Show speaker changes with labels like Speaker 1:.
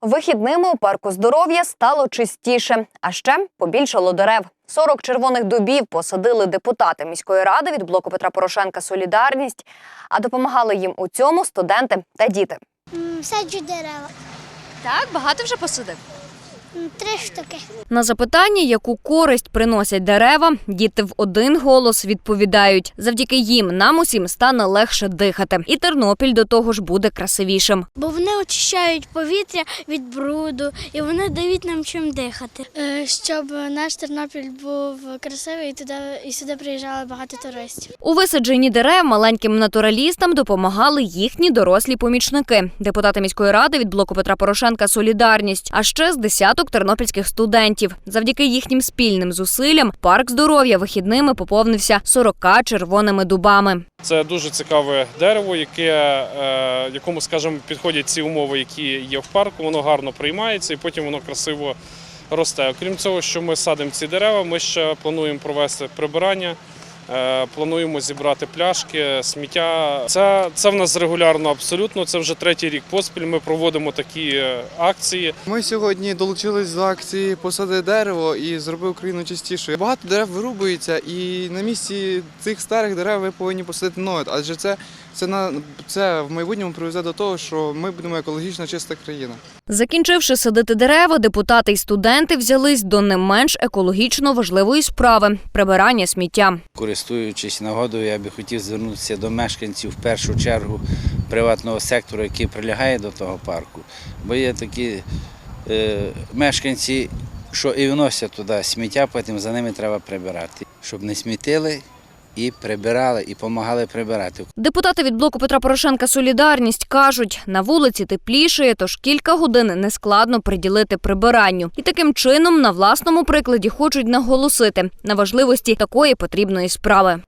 Speaker 1: Вихідними у парку здоров'я стало чистіше, а ще побільшало дерев. 40 червоних дубів посадили депутати міської ради від блоку Петра Порошенка «Солідарність», а допомагали їм у цьому студенти та діти.
Speaker 2: Саджу дерева.
Speaker 3: Так, багато вже посадив?
Speaker 2: 3 штуки.
Speaker 1: На запитання, яку користь приносять дерева, діти в один голос відповідають: завдяки їм нам усім стане легше дихати. І Тернопіль до того ж буде красивішим.
Speaker 2: Бо вони очищають повітря від бруду і вони дають нам чим дихати. Щоб наш Тернопіль був красивий і сюди приїжджало багато туристів.
Speaker 1: У висадженні дерев маленьким натуралістам допомагали їхні дорослі помічники. Депутати міської ради від блоку Петра Порошенка «Солідарність», а ще з десяток тернопільських студентів. Завдяки їхнім спільним зусиллям парк здоров'я вихідними поповнився 40 червоними дубами.
Speaker 4: Це дуже цікаве дерево, якому, скажімо, підходять ці умови, які є в парку, воно гарно приймається і потім воно красиво росте. Окрім цього, що ми садимо ці дерева, ми ще плануємо провести прибирання, плануємо зібрати пляшки, сміття. Це в нас регулярно абсолютно, це вже 3-й рік поспіль ми проводимо такі акції.
Speaker 5: Ми сьогодні долучились до акції «Посади дерево» і зроби Україну чистішою. Багато дерев вирубується і на місці цих старих дерев ви повинні посадити нові, адже це в майбутньому приведе до того, що ми будемо екологічно чиста країна.
Speaker 1: Закінчивши садити дерева, депутати й студенти взялись до не менш екологічно важливої справи – прибирання сміття.
Speaker 6: Користуючись нагодою, я би хотів звернутися до мешканців, в першу чергу, приватного сектору, який прилягає до того парку. Бо є такі мешканці, що і вносять туди сміття, потім за ними треба прибирати. Щоб не смітили і прибирали, і допомагали прибирати.
Speaker 1: Депутати від блоку Петра Порошенка «Солідарність» кажуть, на вулиці теплішає, тож кілька годин нескладно приділити прибиранню. І таким чином на власному прикладі хочуть наголосити на важливості такої потрібної справи.